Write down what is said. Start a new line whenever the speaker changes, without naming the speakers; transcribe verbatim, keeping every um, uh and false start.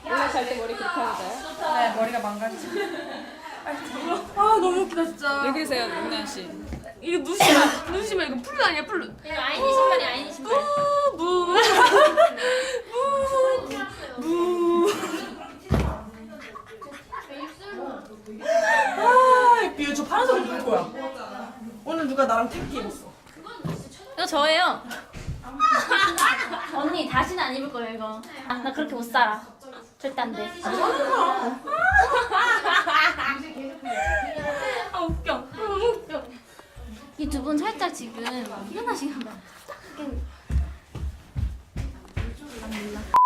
원래 잘 때 머리 그렇게 하고 자요?
네, 머리가 망가지죠. 아, 너무 웃기다, 진짜.
왜 그러세요, 윤나 씨?
이거 누시마, 누시마, 이거 플루 아니야, 플루.
이거 아이니 신발이 아이니 신발.
무, 무, 무. 아, 이거 저 파란색 누구 거야? 오늘 누가 나랑 태극기 입었어?
이거 저예요. 언니 다시는 안 입을 거예요 이거. 아, 나 그렇게 못 살아. 절대 안 돼.
아, 웃겨. 너무 웃겨.
이 두 분 살짝 지금 피곤하신가 봐. 안 몰라.